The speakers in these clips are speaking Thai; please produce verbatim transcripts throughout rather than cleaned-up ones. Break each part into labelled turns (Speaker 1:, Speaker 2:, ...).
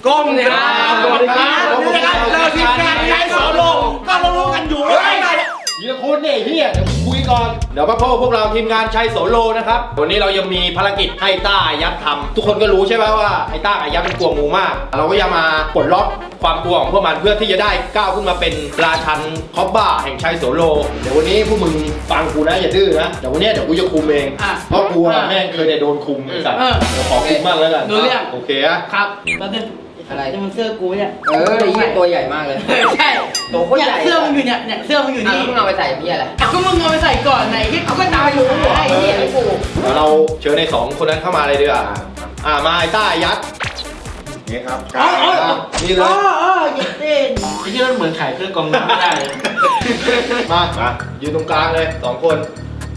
Speaker 1: ก้มกราบสวัสดีครับนี่นะครับเราทีมงานใช้โซโลก็รู้กันอยู่ว่าไงยีละคุณเนี่ยเฮียเดี๋ยวคุยก่อนเดี๋ยวมาพบพวกเราทีมงานชัยโสโลนะครับวันนี้เรายังมีภารกิจให้ต้ายักษ์ทำทุกคนก็รู้ใช่ไหมว่าไอ้ต้ากับยักษ์เป็นกลัวงูมากเราก็จะมาปลดล็อกความกลัวของพวกมันเพื่อที่จะได้ก้าวขึ้นมาเป็นราชันคอบบ้าแห่งชัยโสโลเดี๋ยววันนี้พวกมึงฟังกูนะอย่าดื้อนะเดี๋ยววันนี้เดี๋ยวกูจะคุมเองเพราะกูแม่งเคยได้โดนคุมสัตว์เดี๋ยวขอคุมมากแล้วกันโอเคอะ
Speaker 2: ครับแล้วเนี่ยอะไรจะมันเสื้อกูเนี่ย
Speaker 3: เออไอ้ยี่ตัวใหญ่มากเลย
Speaker 2: ใช่ตัวโคตรใหญ่เสื้อมึงอยู่เนี่ยเนี่ยเสื้อมึงอยู่นี่
Speaker 3: มึงเอาไปใส่พี่อะไร
Speaker 2: ก็มึงเอาไปใส่ก่อนไหนที่เขาก็ตายอยู่ไอ้เนี่ยไอ้กู
Speaker 1: เดี๋ยวเราเชิญในสองคนนั้นเข้ามาเลยดีกว่าอ่ามาไอ้ต้ายัดนี่ครับนี่เลย
Speaker 2: อ๋ออ๋อยัดเต้น
Speaker 4: ไอ้ที่มันเหมือนขายเครื่องกองน้ำไม่ได้เลย
Speaker 1: มามายืนตรงกลางเลยสองคน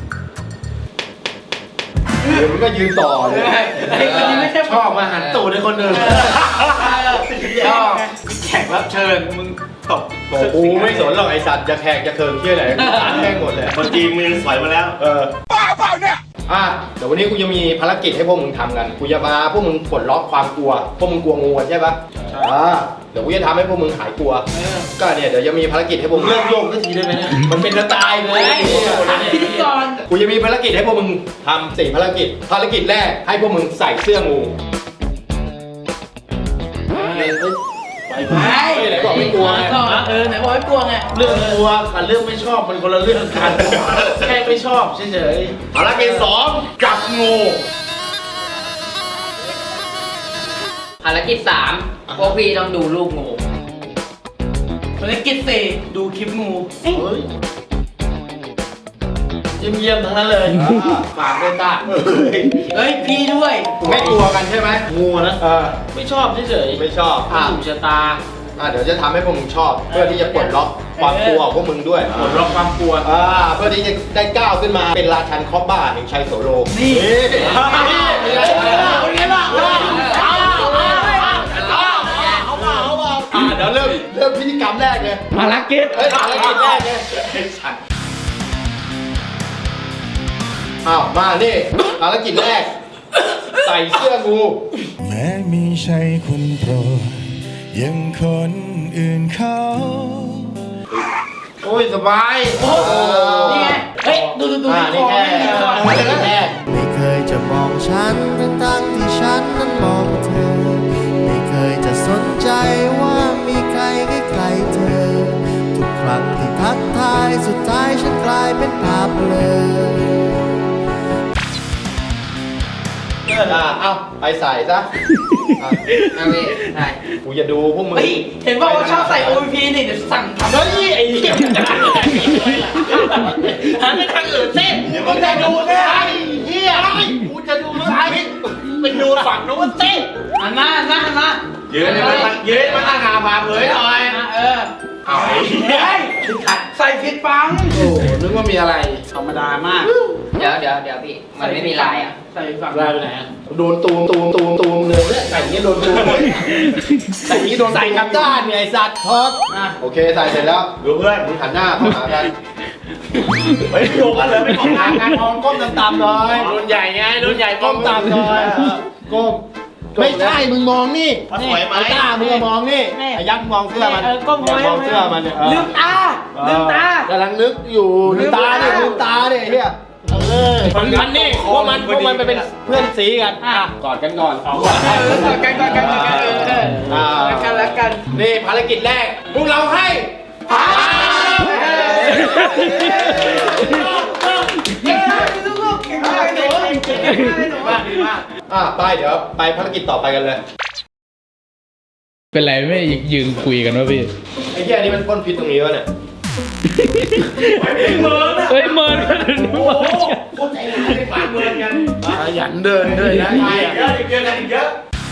Speaker 1: เดี๋ยวมึงก็ยืนต่อเลย
Speaker 2: ไอ้คนนี้ไม่ใช่
Speaker 4: ชอบมาหันตูดในคนอื่นชอบแขกรับเชิญมึงตบ
Speaker 1: กูไม่สนหรอกไอสัตว์จะแขกจะเคิร์มเที่ยไหนแม่งหมดเลย
Speaker 4: คนจีนมือสอยมาแล้ว
Speaker 1: เออบ้าเปล่าเนี่ยอ่ะเดี๋ยววันนี้กูจะมีภารกิจให้พวกมึงทำกันกูจะมาพวกมึงปลดล็อกความกลัวพวกมึงกลัวงูใช่ปะอ่าเดี๋ยวกูจะทำให้พวกมึงหายกลัวก็เนี่ยเดี๋ยวจะมีภารกิจให้พวกมึง
Speaker 4: เริ่มโยกสักทีได้ไหมเนี่ย
Speaker 1: มันเป็นสไตล์เลย
Speaker 2: พิธีกร
Speaker 1: กูจะมีภารกิจให้พวกมึงทำสี่ภารกิจภารกิจแรกให้พวกมึงใส่เสื้องู
Speaker 2: ไปไป
Speaker 1: ไหนบอกไม่กลัวไง
Speaker 2: เออไหนบอกไม่กลัวไง
Speaker 4: เรื่องกลัวกับเรื่องไม่ชอบมันคนละเรื่องกันแค่ไม่ชอบเฉย
Speaker 1: ๆภารกิจสองจับงู
Speaker 3: ภารกิจสามพวกพี่ต้องดูรูปงู
Speaker 2: ภารกิจสี่ดูคลิปงู
Speaker 4: เฮ้ยเยี่ยมๆทั้งนั้นเลยฝากด้วยต้า
Speaker 2: เฮ้ยพี่ด้วย
Speaker 1: ไม่กลัวกันใช่ไหม
Speaker 4: งูนะ
Speaker 1: เออ
Speaker 4: ไม่ชอบเฉย
Speaker 1: ๆไม่ชอบ
Speaker 4: อ่ะถูกชะตา
Speaker 1: อ่ะเดี๋ยวจะทำให้พวกมึงชอบเพื่อที่จะปลดล็อกความกลัวของพวกมึงด้วย
Speaker 4: ปลดล็อกความกลัว
Speaker 1: อ่าเพื่อที่จะได้ก้าวขึ้นมาเป็นราชันคอบบ้าแห่งชัยโสโล
Speaker 2: นี่
Speaker 1: เดี๋ยวเริ่มเริ่มพิธีกรรมแรกเลย
Speaker 2: ภารกิจ
Speaker 1: เฮ้ยภารกิจแรกเลยอ้าวมานี่ภารกิจแรกใส่เสื้องู
Speaker 5: แม้มีใช่คนโปรดยังคนอื่นเขา
Speaker 4: โอ้ยสบาย
Speaker 2: โอ้นี่ไงเฮ้ยดูดูดู
Speaker 1: นี่แค่ภารกิจแรก
Speaker 5: ไม่เคยจะมองฉันตั้งที่ฉันนั้นมองเธอไม่เคยจะสนใจว่ามีใครใกล้ๆเธอทุกครั้งที่ทักทายสุดท้ายฉันกลายเป็นภาพเลย
Speaker 1: อ่าเอาไปใส่ซะ
Speaker 3: เอาไปใส่
Speaker 1: กูจะดูพวกมึง
Speaker 2: เห็นบอกว่าชอบใส่ โอ พี นี่เดี๋ยวสั่งทำ
Speaker 1: เฮ้ยไอ้เหี้ย
Speaker 2: หันไปทางอื่นเต้น
Speaker 1: กูจะดูไอ้เหี้ยกูจะดูมึงไปดูฝั่งนู้นเต้น
Speaker 2: หันมาหันมาหันมา
Speaker 1: ยืนมายืนมาตั้งหาพาเผยหน่อย
Speaker 2: เออ
Speaker 1: เอาไอ้เหี้ย
Speaker 2: ใส่ผิดปัง
Speaker 4: โอ้นึกว่ามีอะไรธรรมดามาก
Speaker 3: เดี๋ยวเดี๋ยวเดี๋ยวพี่มันไม่มีลายอ่ะ
Speaker 2: ใส่ฝั่ง
Speaker 4: ลายไปไหน
Speaker 1: โดนตูมตูมตูมตูมเลยใส่นี้โดนตูมใส่นี้โดนใส่กับด้านไอ้สัตว์ท็อปโอเคใส่เสร็จแล้วดูเพื่อนมึงหันหน้าเข้าหากันไปโยกกันเลยไม่ของหากันมองก้มต่ำๆหน่อย
Speaker 4: รุ่นใหญ่ไงรุ่นใหญ่
Speaker 1: ก้มต่ำหน่อยก้มไม่ใช่มึงมองนี่
Speaker 4: สวยไหม
Speaker 1: ไอ้ต้ามึงมองนี่ไอ้ยักษ์มองเสื้อมัน
Speaker 2: ก้ม
Speaker 1: มองเสื้อมันเนี่ย
Speaker 2: ลืมตาลืมตาก
Speaker 1: ำลังนึกอยู่ลืมตาเนี่ยลืมตาเนี่ยเฮียเออมันนี่พวกมันพวกมันไปเป็นเพื่อนสีกันกอดกันก่อน
Speaker 2: กอดกันกอดกันกอดกันอ่ารักกันรักกัน
Speaker 1: นี่ภารกิจแรกพวกเราให้ผ่านอ่ะไปเดี๋ยวไปภารกิจต่อไปกันเลย
Speaker 6: เป็นไรไม่ยืนคุยกันวะพี่
Speaker 1: ไอ้เหี้ยนี่มันพ่นพิษตรงนี้วะเนี่ย
Speaker 6: เมินเฮ้ยเมินกันโอ้โห
Speaker 1: โคตรใจร้ายไปฝากเมินกัน
Speaker 4: ขยันเดินด้วยนะ
Speaker 1: เยอะเยอะเยอะเยอะ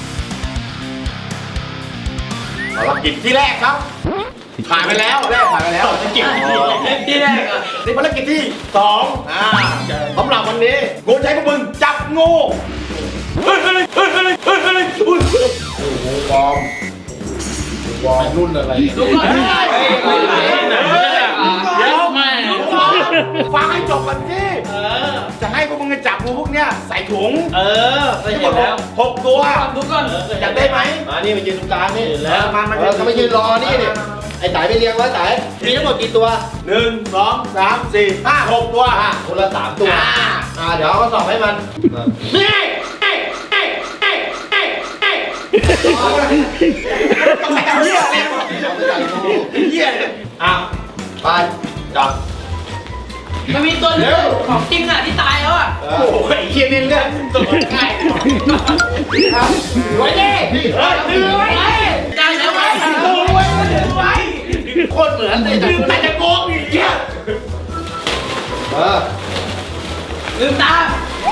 Speaker 1: ภารกิจที่แรกครับผ่านไปแล้วแรกผ่านไปแล้วภารกิจ
Speaker 2: ที่แรกอ่ะ
Speaker 1: นี่ภารกิจที่สองอ่าสำหรับวันนี้กูใช้พวกมึงจับงูเฮ้ยเฮ้ยเฮ้ยเฮ้ยเฮ้ยเฮ้ยโอ้โหบอมบอมรุ่นอะไร
Speaker 2: ดูก่อน
Speaker 1: เดี๋ยวแม่ฟังให้จบก่อนสิจะให้พวกมึง
Speaker 4: งจะจับงูพวกเนี้ยใส่ถุง
Speaker 1: เออเคยเห็นแล้ว
Speaker 4: หกตัว
Speaker 3: ดูก่อน
Speaker 4: อยากได้ไหม
Speaker 1: มานี่มายืนตรงกลางนี่
Speaker 4: แล้วมามา
Speaker 1: เออก็มายืนรอนี่ดิไอ้สายไปเรียงไว้สายมีทั้งหมดกี่ตัว
Speaker 4: หนึ่งสองสามสี่ห้าหกตัว
Speaker 1: อ่ะคนละสามตัว
Speaker 4: อ่า
Speaker 1: อ่าเดี๋ยวเอาข้อสอบให้มัน
Speaker 4: เฮ้ยเฮ้ยเฮ้ยเฮ้ยเฮ้ยเฮ้ยต้องไปเอาเหี้ยอะไรเหี้ย
Speaker 1: อ่ะไปจับ
Speaker 3: มันมีตัวหนึงของจริงอ่ะที่ตายแล้วอ่ะ
Speaker 1: เอ
Speaker 4: โอ้
Speaker 1: อ
Speaker 4: โหไอ้เหี้ยนี่เรื่องตัวง่าย
Speaker 3: ไว้ดิ
Speaker 1: พี่
Speaker 4: เฮ้ยดื้อไว้
Speaker 3: ได้แล้วไว้
Speaker 4: ดื้อไว้ดื้อไว้โคตรเหมือนเลยดื้อแต่จะโกงอีกเหี้ย
Speaker 1: เออ
Speaker 3: ลืมตา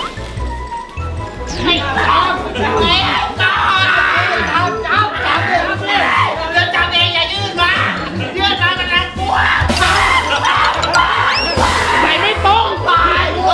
Speaker 3: ให้ตามไอ้ตามจับจับจับเลยจับเองอย่ายื่นมายื่นมามันน่ากลัวไปไม่ตรงไปหัว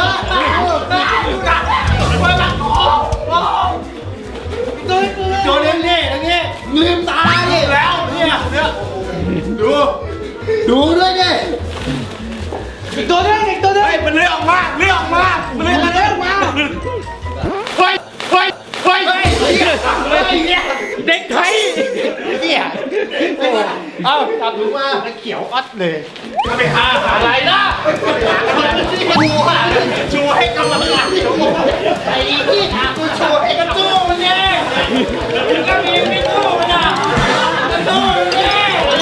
Speaker 3: ตัวตัว
Speaker 1: โจนนี่นี่ตรงนี้ลืมตาดิแล้วเนี่ยเนี่ยดูดูด้วยดิ
Speaker 4: อีกตัวนึงอีกตัวนึงมันเลื้อยออกมาเลื้อยออกมามันเลื้อยมาเลื้อยออกมาเฮ้ยเฮ้ยเฮ้ยเฮ้ยเฮ้ยเด็กไทยเหี้ย
Speaker 1: เอาจับถุงมา
Speaker 4: เขียวอัดเลยจะไปหาอะไรนะชูชูให้กำลังใจไอ้ที่ถามกูชูให้กระตู้มันเนี่ยก็มีไม่ตู้มันอ่ะกระตู้มันเนี่ย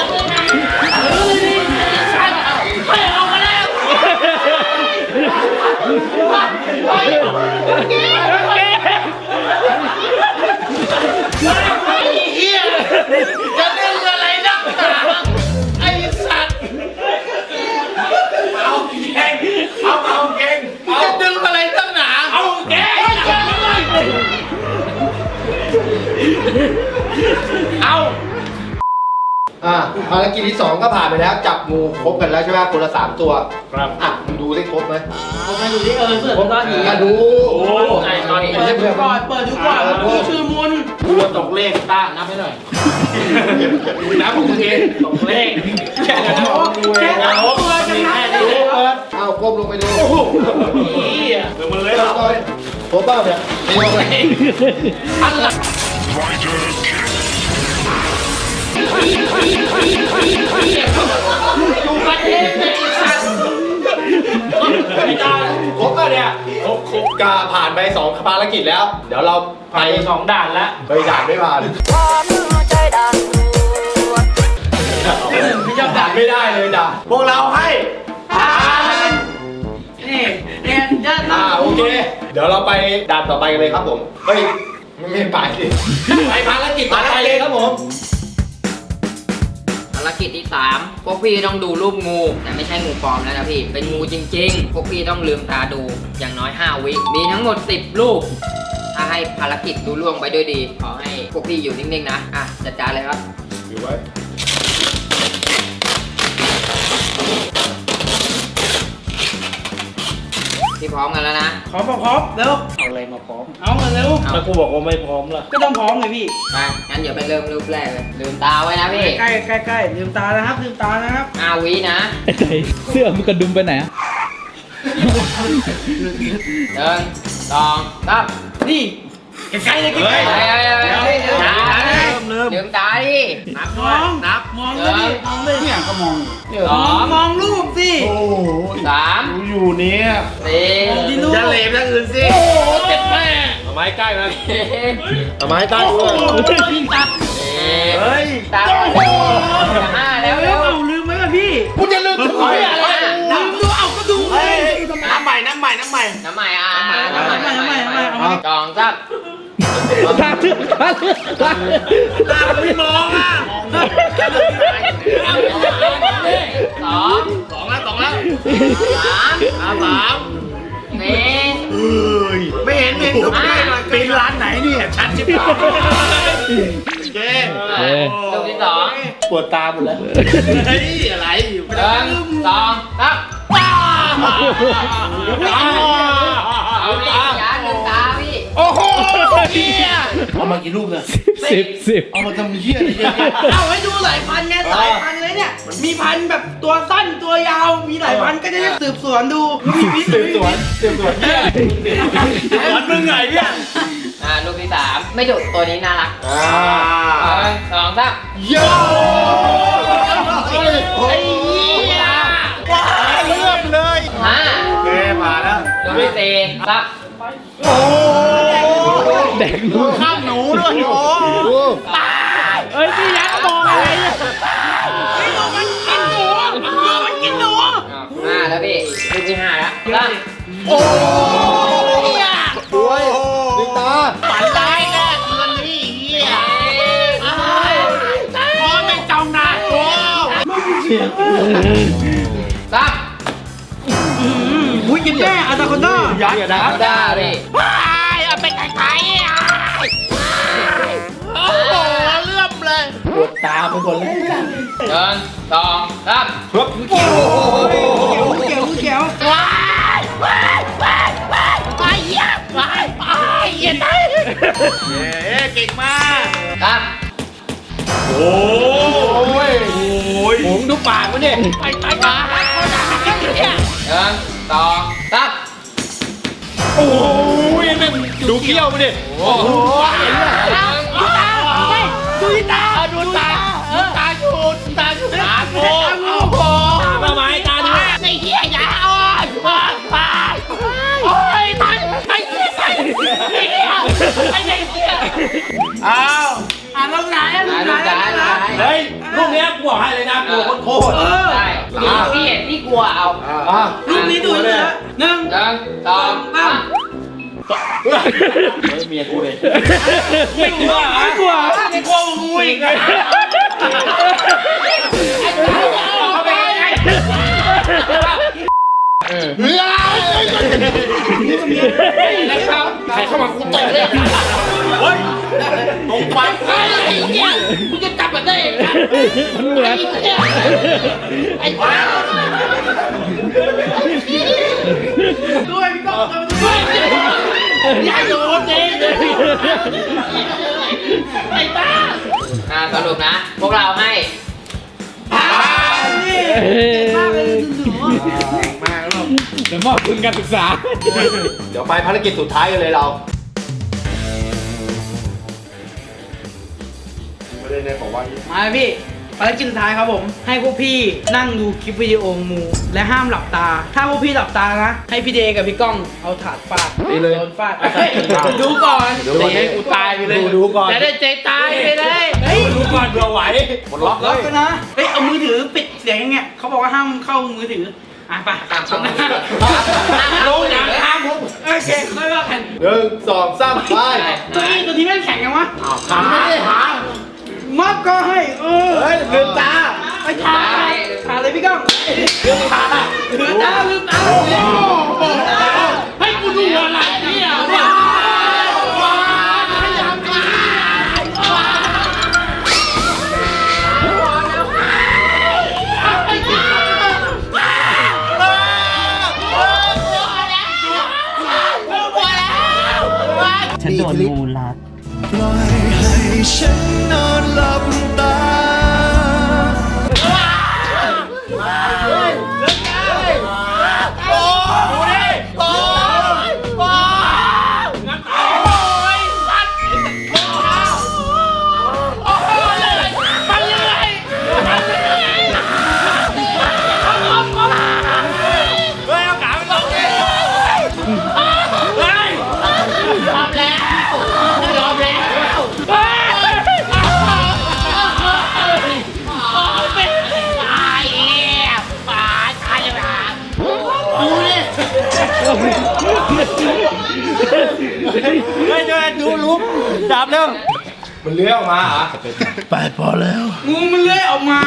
Speaker 4: ให้เอามาแล้วเฮ้ยเฮียจะเล่นอะไรนักหนาไอ้สัตว์เอาเก่งเอาเอาเก่งจะดึงอะไรนักหนาเอาเก่งเอา
Speaker 1: อ่ะภารกิจที่สองก็ผ่านไปแล้ว จับงูครบกันแล้วใช่ไหมคนละสามตัว
Speaker 4: ครับ
Speaker 1: อ่ะมึงดูได้ครบไหม
Speaker 3: ผมมาดูดิเออเสือ
Speaker 1: ครบ
Speaker 3: ตอนนี้
Speaker 1: อ่ะดู
Speaker 4: โอ้
Speaker 3: ไอ้ตอนนี้เปิดดูก่อนเปิดดูก่อนมันชื่อมุน
Speaker 4: กลัวตกเลขต้านับให้หน่อยนับของตัวเองตกเลขแค่นั้นแค่นั้นตัวจะนับได้
Speaker 1: ดู
Speaker 4: เลย
Speaker 1: เปิดเอาก้มลงไปดู
Speaker 4: โอ้โหเดี๋ยวมันเลย
Speaker 1: เปิดก่อนครบเปล่าเนี่ยไม่ลงเลย
Speaker 4: อะไร
Speaker 3: ดูกันเองเลยสัตว์
Speaker 1: ไม่ได้ครบป่ะเนี่ยครบครบกาผ่านไปสองภารกิจแล้ว เดี๋ยวเราไป
Speaker 4: สองด่านละ
Speaker 1: ไปด่านไม่ผ่าน
Speaker 3: ไม่ชอบ
Speaker 1: ด่า
Speaker 3: ด่าน
Speaker 1: ไม่ได้เลยด่า
Speaker 4: พวกเราให้ผ่าน
Speaker 3: นี่เนี่ยจะ
Speaker 1: อ่าโอเค เดี๋ยวเราไปด่านต่อไปกันเลยครับผมเฮ้ยไม่ไม่ไปสิไปภารกิจต่อไปเลยครับผม
Speaker 3: ภารกิจที่สามพวกพี่ต้องดูรูปงูแต่ไม่ใช่งูปลอมแล้วนะพี่เป็นงูจริงๆพวกพี่ต้องลืมตาดูอย่างน้อยห้าวิมีทั้งหมดสิบลูกถ้าให้ภารกิจดูล่วงไปด้วยดีขอให้พวกพี่อยู่นิ่งๆนะอ่ะจัดการเลยครับ
Speaker 1: อยู่ไว้
Speaker 3: พี่พร้อมกันแล้วนะ
Speaker 2: พร้อมพร้อมเร็ว
Speaker 4: เอาอะไรมาพร้อม
Speaker 2: เอามาเร็ว
Speaker 3: เอา
Speaker 4: แล้วกูบอกว่าไม่พร้อมล่ะ
Speaker 2: ก็ต้องพร้อมไงพี่
Speaker 3: ไปงั้นเดี๋ยวไปเริ่มรูปแรกเลยลืมตาไว้นะพี่
Speaker 2: ใกล้ใกล้ใกล้ลืมตานะครับลืมตานะครับ
Speaker 3: ห้าวินะ
Speaker 6: ไอ้ใจเสื้อมันกระดุมไปไหนอะ
Speaker 3: หนึ่งสองสาม
Speaker 2: นี่ใกล้ๆเลยใกล้
Speaker 3: เฮ้ย
Speaker 2: ๆ
Speaker 3: เฮ้ยเฮ้ยเฮ้ย
Speaker 2: เดี๋ยว
Speaker 3: เฮ้ย
Speaker 2: เริ่ม
Speaker 3: ลืมตาดิ
Speaker 2: นับมองนับมองเลยพี่มองเลยเนี่ยก็มอง
Speaker 3: สอง
Speaker 2: มองรูปสิ
Speaker 4: โอ้โห
Speaker 3: สาม
Speaker 4: กูอยู่เนี่ย
Speaker 3: สี่
Speaker 2: มองที่รูป
Speaker 4: จะเหลวอย่างอื่นสิ
Speaker 3: เจ็ดแม่
Speaker 1: เอาไม้ใกล้มา
Speaker 3: สี่
Speaker 1: เอาไม้ใต้ด้วย
Speaker 2: ยิงตัด
Speaker 4: เฮ้ย
Speaker 3: ตาห้าแล้ว
Speaker 2: เร็
Speaker 3: เร็
Speaker 2: ว
Speaker 3: ว
Speaker 2: เอาลืมไหมล่ะพี่
Speaker 1: กูจะลืมทำไมอ่ะ
Speaker 2: ลืมดูเอาก็ดู
Speaker 4: เฮ้ยน้ำใหม่น้ำใหม่น้ำใหม่
Speaker 3: น้ำใหม่อ่ะ
Speaker 2: น้ำใหม่น้ำใหม่น้ำใหม่น้ำใหม่เอามา
Speaker 3: สองสาม
Speaker 6: ตาเลือดตาเลือดตาเลือด
Speaker 4: ตาไม่มองอ่ะ
Speaker 3: สอง
Speaker 4: สองแล้วสองแล้ว
Speaker 3: สาม
Speaker 4: อ่ะสาม
Speaker 3: สี่
Speaker 4: เอ้ยไม่เห็นไม่เห็นก็ไม่ได้เลยเป็นร้านไหนเนี่ยชัดชิบหายโอเค
Speaker 3: ลูกที่สอง
Speaker 4: ปวดตาหมดแล้วเฮ้ยอะไรอยู่
Speaker 3: หนึ่งสองสามเอาพี่อย่าลืมตาพี่
Speaker 1: โอ้โห
Speaker 4: เอามากี่รูปเนี่ย
Speaker 6: สิบสิบ
Speaker 4: เอามาทำเหี้ยอะไรเยอะแยะ
Speaker 2: เอาให้ดูหลายพันไงหลายพันเลยเนี่ย มีพันแบบตัวสั้นตัวยาว มีหลายพันก็จะได้สืบสวนดูมีพิษ
Speaker 1: สืบสวนสืบสวนเหี้ย
Speaker 4: สอนมึงไงเนี่ย
Speaker 3: อ่าลูกที่สามไม่ดุตัวนี้น่ารัก
Speaker 1: อ่า
Speaker 3: หนึ่งสองสาม
Speaker 1: โย่
Speaker 4: ไอ้เหี้ยว้าเลื่อมเลย
Speaker 3: ห้า
Speaker 4: โอเคผ่านแล้ว
Speaker 3: ลูกที่สี่สาม
Speaker 4: โอ้
Speaker 6: แดกลูก
Speaker 4: ข้ามหนูด้วยโอ้
Speaker 6: เอ้ยพี่ยักษ์มองอะไรเนี่ย
Speaker 3: อ้าวห้าแล้วพี่ลูกที่ห้าแล้วสาม
Speaker 4: โอ้ย
Speaker 1: โอ้ยลิงตา
Speaker 4: ฝันร้ายแน่คืนนี้เหี้ยพอไม่จำนานโอ้
Speaker 3: สาม
Speaker 2: อุ้ยกินแม่อาตาคอนด้า
Speaker 1: ยักษ์นะ
Speaker 3: ได้พี่
Speaker 4: เอาไปไกลๆอ่ะโอ้โหเลื่อมเลย
Speaker 1: ปวดตาไปหมดเลย
Speaker 3: หนึ่งสองสาม
Speaker 1: ครับ
Speaker 2: เกี่ยวเกี่ยวเกี่ยว
Speaker 4: ว้ายว้ายว้ายว้ายว้ายเหี้ยว้ายว้ายเหี้ยตายเย้เก่งมาก
Speaker 3: สาม
Speaker 1: โอ้ยโอ้ยผมดูปากมันเนี่ย
Speaker 4: ไปไปไปเหี้ย
Speaker 3: หนึ่งสองสาม
Speaker 1: โอ้ยแม่งดูเกี้ยวมันดิโอ้โห
Speaker 4: ดูตาดูตาดูตาดูตาอยู่ดูตาอยู่ตาโอ้โห
Speaker 1: มาไม้ตาดู
Speaker 4: ไอ้เหี้ยอย่าอ่อนไปโอ้ยตายไอ้เหี้ยไอ้เหี้ยไอ้เหี้ยอ้าว
Speaker 2: อ่านลงไหนอ่ะล
Speaker 3: อ่าง
Speaker 2: ไหน
Speaker 3: ลูกซ้ายลูกซ้าย
Speaker 1: เฮ้ยลูกเนี้ยกูบอกให้เลยนะกลัวโคตร
Speaker 3: ใช่พี่เห็นพี่กลัวเอา
Speaker 1: อ่ะ
Speaker 2: รูปนี้ดูเลยนะหนึ่ง
Speaker 3: หนึ่งสองสาม
Speaker 1: ไม่เมียกูเลย
Speaker 6: ไม่กลัวไม่กลัว
Speaker 4: ไม่กลัวงูอีกเลย
Speaker 3: เข้าไปไง
Speaker 4: เฮ้ย
Speaker 3: นะครับใครเข้ามากูตบเลย
Speaker 4: เฮ้ยตกไปไอ้เหี้ยกูจะจับมันได้เอง
Speaker 6: มันเหมือน
Speaker 4: ไอ้บ้า
Speaker 2: ด้วยพี่ก้องด้วย
Speaker 4: อย่าโดนเองไอ้บ้า
Speaker 3: อ่าสรุปนะ พวกเราให้
Speaker 2: นี่มากเลยหนู
Speaker 6: เดี๋ยวมอบทุนการศึกษา
Speaker 1: เดี๋ยวไปภารกิจสุดท้ายกันเลยเรา
Speaker 2: มาพี่ภารกิจสุดท้ายครับผม ให้พวกพี่นั่งดูคลิปวิดีโองูและห้ามหลับตา ถ้าพวกพี่หลับตานะ ให้พี่เดกับพี่ก้องเอาถาดฟาด
Speaker 1: ดีเลย
Speaker 2: โดนฟาดดูก่อน
Speaker 1: ดูก่อนให้กูตายไปเลยดูก่อน
Speaker 4: จะได้ใจตายไปเลย
Speaker 2: เฮ้ย
Speaker 1: ดูก่อนเผื่อไหวหมดล็อกเล
Speaker 2: ล็อก
Speaker 1: ย
Speaker 2: กันนะ เฮ้ย เอามือถือปิดเสียงอย่างเงี้ยเขาบอกว่าห้ามเข้ามือถือ อ่ะไปตาม
Speaker 3: ช่อง
Speaker 2: ลงอย่างห้ามผมโอเคค่อยว่ากัน
Speaker 1: หนึ่งสองสามไป
Speaker 2: ตัวนี้ตัวนี้แม่งแข็งยังวะ
Speaker 1: หาไม่ได้หา
Speaker 2: มัดก็ให้ เออ
Speaker 1: เฮ้ยลืมตา
Speaker 2: ไปทาทาเลยพี่ก้องลืมตาลืมตาลืมตาลืมตา
Speaker 4: ให้กูดูอะไรเนี่ยว้าวขยับมาฉันโดนงูรัด
Speaker 5: ปล่อยให้ฉันนอนหลับตา
Speaker 1: เฮ้ยเดี๋ยวดูลุกจับเร็วมันเลื้อยออกมาเหรอ
Speaker 5: ไปพอแล้ว
Speaker 2: งูมันเลื้อยออกมา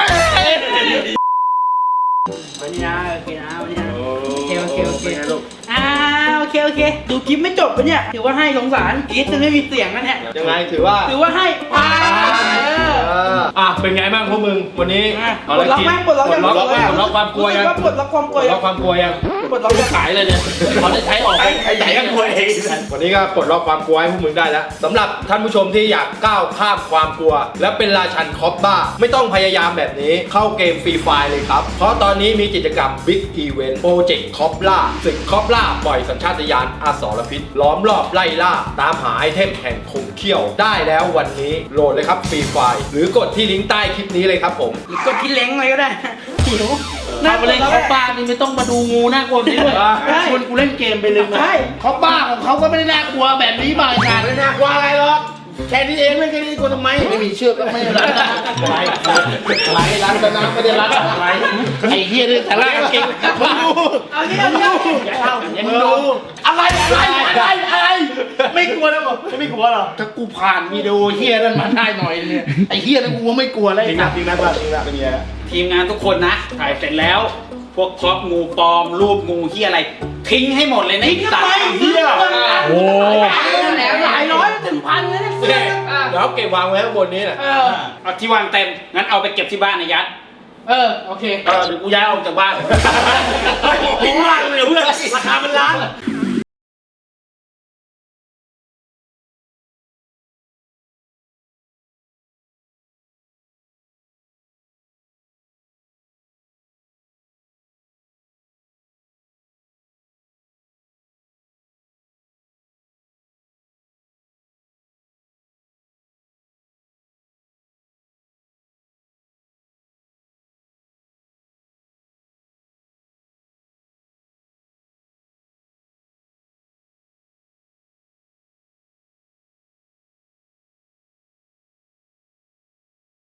Speaker 2: วันนี้นะโอเคนะวันนี้นะโอเคโอเคโอเคอ่าโอเคโอเคดูคลิปไม่จบปะเนี่ยถือว่าให้สงสารคลิปจะไม่มีเสียงนะเนี่ย
Speaker 1: ยังไงถือว่า
Speaker 2: ถือว่าให้ผ่านเออ
Speaker 1: ออ่ะเป็นไงบ้างพวกมึงวันนี้
Speaker 2: ปลดล็อกไหมปลดล็อกยัง
Speaker 1: ปลดล็อกไหมปลดล็อกความกลัวยัง
Speaker 2: ปลดล็อกความกลัว
Speaker 1: ปลด
Speaker 2: ยั
Speaker 1: ล็อง กความกลัวยัง
Speaker 2: ปลดล็อกยัง
Speaker 4: ขายเลยเนี่ยเขาได้ใช้ออกไปไอ้ไหนก็กลัวเอง
Speaker 1: วันนี้ก็ปลดล็อกความกลัวให้พวกมึงได้แล้วสำหรับท่านผู้ชมที่อยากก้าวข้ามความกลัว และเป็นราชันคอปบ้าไม่ต้องพยายามแบบนี้เข้าเกมฟรีไฟล์เลยครับ เพราะตอนนี้มีกิจกรรม Big Event โปรเจกต์คอปล่าศึกคอปล่าปล่อยสัญชาตญาณอสรพิษล้อมรอบไล่ล่า ตามหาไอเทมแห่งคมเขี้ยวได้แล้ววันนี้โหลดเลยครับฟรีไฟล์หรือกดที่ลิงก์ใต้คลิปนี้เลยครับผม
Speaker 2: หรือกดที่เล้งเลยก็ได้หิว
Speaker 4: เอาไปเล่นเขาบ้านนี่ไม่ต้องมาดูงูน่ากลัวนี้ด้วยชวนกูเล่นเกมไปเลยนะเขาบ้าของเขาก็ไม่ได้น่ากลัวแบบนี้บ่ายงานไม่น่ากลัวอะไรหรอกแค่นี้เองเล่นแค่นี้กลัวทำไมไม่มีเชือกก็ไม่รัดอะไรอะไรรัดนะไม่ได้รัดอะไรไอ้เหี้ยนี่แต่ละเก่งมึงดู
Speaker 2: เอางี้เอางี้
Speaker 4: ยังดูอะไรอะไรอะไรอะไรไม่กลัวแล้วบอกไม่กลัวหรอถ้ากูผ่านวิดีโอเหี้ยนั่นมาได้หน่อยเนี่ยไอ้เหี้ยนั่นกูไม่กลัวเลยจริงนะจริงนะจริงนะเป็นไง
Speaker 7: ทีมงานทุกคนนะ ถ่ายเสร็จแล้ว พวกครอบงูปลอม รูปงูเฮียอะไร ทิ้งให้หมดเลยนะ
Speaker 4: ทิ้งทำไมเหี้ย
Speaker 6: โอ้
Speaker 2: แล้วหลายร้อยถึงพันเลยนะ
Speaker 1: โอเคเดี๋ยวเก็บวางไว้ข้างบนนี้แหละ
Speaker 2: เออ
Speaker 7: เอาที่วางเต็ม งั้นเอาไปเก็บที่บ้านนะยัด
Speaker 2: เออโอเค
Speaker 4: เออเดี๋ยวกูย้ายออกจากบ้านทิ้งบ้านเลยเพื่อนราคาเป็นล้าน